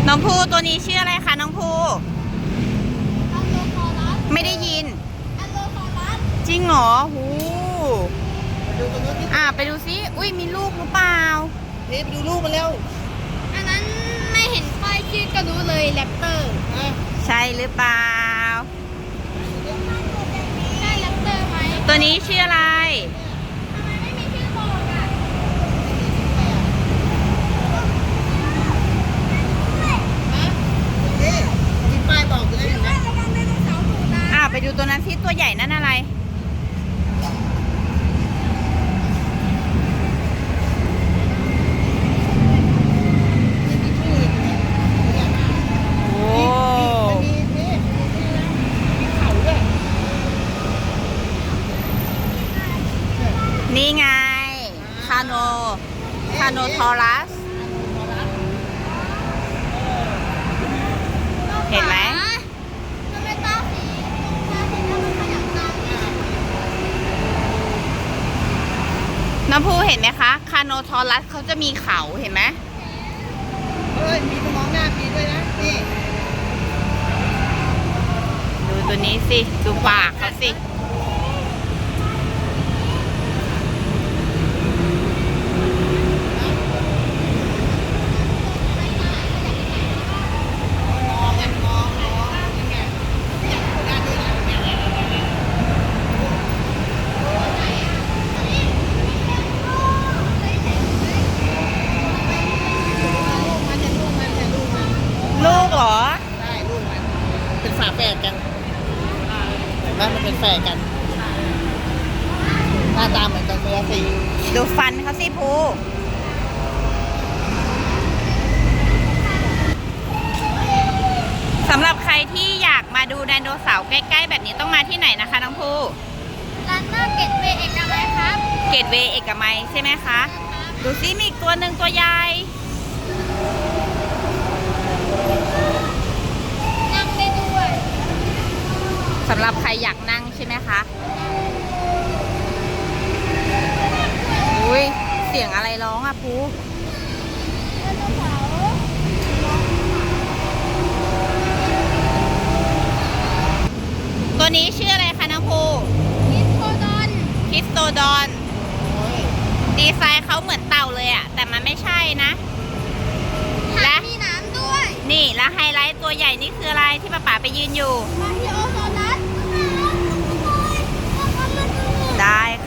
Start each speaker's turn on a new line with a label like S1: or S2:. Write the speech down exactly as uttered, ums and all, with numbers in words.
S1: น้องภูตัวนี้ชื่ออะไรคะน้องภูไม่ได้ยินจริงเหรอหูอ่าไปดูซิอุ้ยมีลูกหรือเปล่า
S2: เฮ้ยไปดูลูกมาเร็ว
S3: อันนั้นไม่เห็นป้ายชื่อก็รู้เลยแรปเตอร์
S1: ใช่หรือเปล่า
S3: ใช่แรปเตอร์ไหม
S1: ตัวนี้ชื่ออะไร
S3: ทำไมไม่มีชื่อบอกอ่ะ
S2: นี่มีป้ายบอกเลยเห็นไหม
S1: อ่าไปดูตัวนั้นซิตัวใหญ่นั่นอะไรนี่ไงคาโนคาโนทอรัสเห็นไหม
S3: มันเป็นตาสีตาสีแล้วมันขยับตามนี่
S1: น้ำพูเห็นไหมคะคาโนทอรัสเขาจะมีเขาเห็นไหม
S2: เฮ้ยมีมองหน้าปีด้วยนะนี่
S1: ดูตัวนี้สิดูปากเขาสิลูกเหรอ
S2: ใช่ลูกมันเป็นฝาแฝดกันเห็นไหมมันเป็นแฝดกันหน้าตาเหมือนกันเลยสิ
S1: ดูฟันเขาสิภูสำหรับใครที่อยากมาดูไดโนเสาร์ใกล้ๆแบบนี้ต้องมาที่ไหนนะคะน้องภู
S3: ร้านหน้าเกตเวย์เอกมัยครับ
S1: เกตเวย์เอกมัยใช่ไหมคะดูซิมีอีกตัวหนึ่งตัวใหญ่
S3: นั่งได้ด้วย
S1: สำหรับใครอยากนั่งใช่ไหมคะอุ้ยเสียงอะไรร้องอ่ะภูตัวนี้ชื่ออะไรคะน้องภู
S3: คริสโตดอน
S1: คริสโตดอนดีไซน์เขาเหมือนเต่าเลยอะแต่มันไม่ใช่นะ
S3: และมีน้ำด้วย
S1: นี่แล้วไฮไลท์ตัวใหญ่นี่คืออะไรที่ป้าป๋าไปยืนอยู่
S3: มาที่โอโซนัส
S1: ได้